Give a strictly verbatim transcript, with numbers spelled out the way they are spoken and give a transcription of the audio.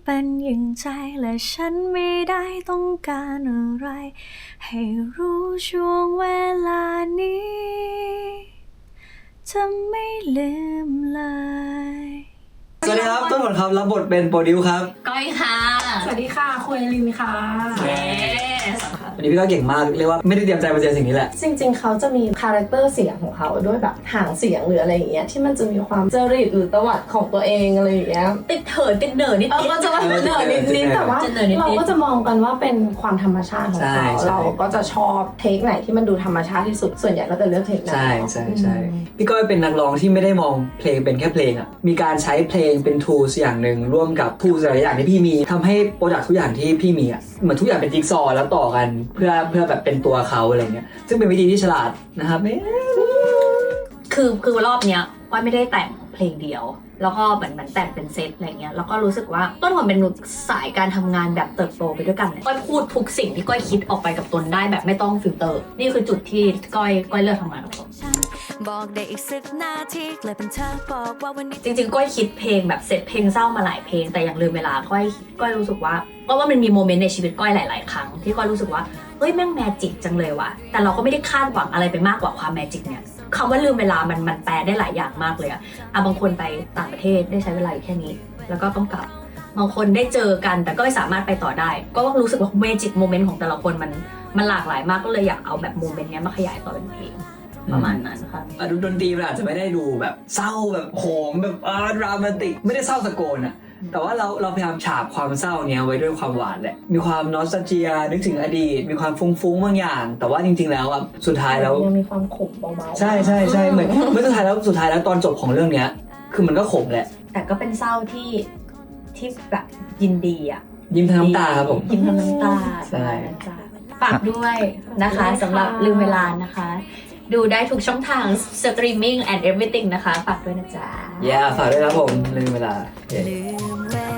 เป็นอย่างใจและฉันไม่ได้ต้องการอะไรให้รู้ช่วงเวลานี้จะไม่ลืมเลยสวัสดีครับต้นหมดครับรับบทเป็นโปรดิวครับก้อยค่ะสวัสดีค่ะคุยลินค่ะเย้วันนี้พี่ก็เก่งมากเรียกว่าไม่ได้เตรียมใจมาเจอสิ่งนี้แหละจริงๆเขาจะมีคาแรคเตอร์เสียงของเขาด้วยแบบหางเสียงหรืออะไรอย่างเงี้ยที่มันจะมีความจริตหรือตวัดของตัวเองอะไรอย่างเงี้ยติดเถิดติดเหน่อนิดเออก็จะว่าเหนื่อยนิดๆแต่ว่าเราก็จะมองกันว่าเป็นความธรรมชาติของเขาเราก็จะชอบเทคไหนที่มันดูธรรมชาติที่สุดส่วนใหญ่ก็จะเลือกเทคนั้นใช่ใช่ใช่พี่ก้อยเป็นนักร้องที่ไม่ได้มองเพลงเป็นแค่เพลงอ่ะมีการใช้เพลงเป็น tools อย่างหนึ่งร่วมกับ tools หลายอย่างที่พี่มีทำให้โปรดักต์ทุกอย่างที่พี่มีอ่ะเหมือนทุกอย่างเป็นจิ๊กซอว์แล้วต่อกันเพื่อเพื่อแบบเป็นตัวเขาอะไรเงี้ยซึ่งเป็นวิธีที่ฉลาดนะครับคือคือรอบเนี้ยก้อยไม่ได้แต่งเพลงเดียวแล้วก็เหมือนเหมือนแต่งเป็นเซตอะไรเงี้ยแล้วก็รู้สึกว่าต้นหอมเป็นมนุษย์สายการทำงานแบบเติบโตไปด้วยกันก้อยพูดทุกสิ่งที่ก้อยคิดออกไปกับตนได้แบบไม่ต้องฟิลเตอร์นี่คือจุดที่ก้อยก้อยเลือกทำงานกับตนบอกได้อีกสิบนาทีกลายเป็นเธอบอกว่าวันนี้จริงๆก้อยคิดเพลงแบบเซตเพลงเศร้ามาหลายเพลงแต่อย่างลืมเวลาก้อยก้อยรู้สึกว่าก็ว่ามันมีโมเมนต์ในชีวิตก้อยหลายๆครั้งที่ก้อยรู้สึกว่าเฮ้ยแม่งแมจิกจังเลยว่ะแต่เราก็ไม่ได้คาดหวังอะไรไปมากกว่าความแมจิกเนี่ยคำว่าลืมเวลามันมันแปลได้หลายอย่างมากเลยอะอ่ะบางคนไปต่างประเทศได้ใช้เวลาอยู่แค่นี้แล้วก็ต้องกลับบางคนได้เจอกันแต่ก็ไม่สามารถไปต่อได้ก็รู้สึกว่าเมจิกโมเมนต์ของแต่ละคนมันมันหลากหลายมากก็เลยอยากเอาแบบโมเมนต์นี้มาขยายต่อเป็นเพลงประมาณนั้นค่ะดูดนตรีมันอาจจะไม่ได้ดูแบบเศร้าแบบโหมแบบอ่าดรามาติกไม่ได้เศร้าตะโกนอะแต่ว่าเราเราพยายามฉาบความเศร้าเนี้ยไว้ด้วยความหวานแหละมีความนอสตาเจียนึกถึงอดีตมีความฟุ้งๆบางอย่าง แต่ว่าจริงๆแล้วอ่ะสุดท้ายแล้วยังมีความขมเบาๆใช่ใช่ใช่เหมือนเมื่อสุดท้ายแล้วสุดท้ายแล้วตอนจบของเรื่องเนี้ยคือมันก็ขมแหละแต่ก็เป็นเศร้าที่ที่แบบยินดีอ่ะยิ้มทั้งน้ำตาครับผมยิ้มทั้งน้ำตาใช่ฝากด้วยนะคะสำหรับลืมเวลานะคะดูได้ทุกช่องทางสตรีมมิ่ง and everything นะคะฝากด้วยนะจ๊ะ yeah ฝากด้วยครับผมลืมเวลาลืมเว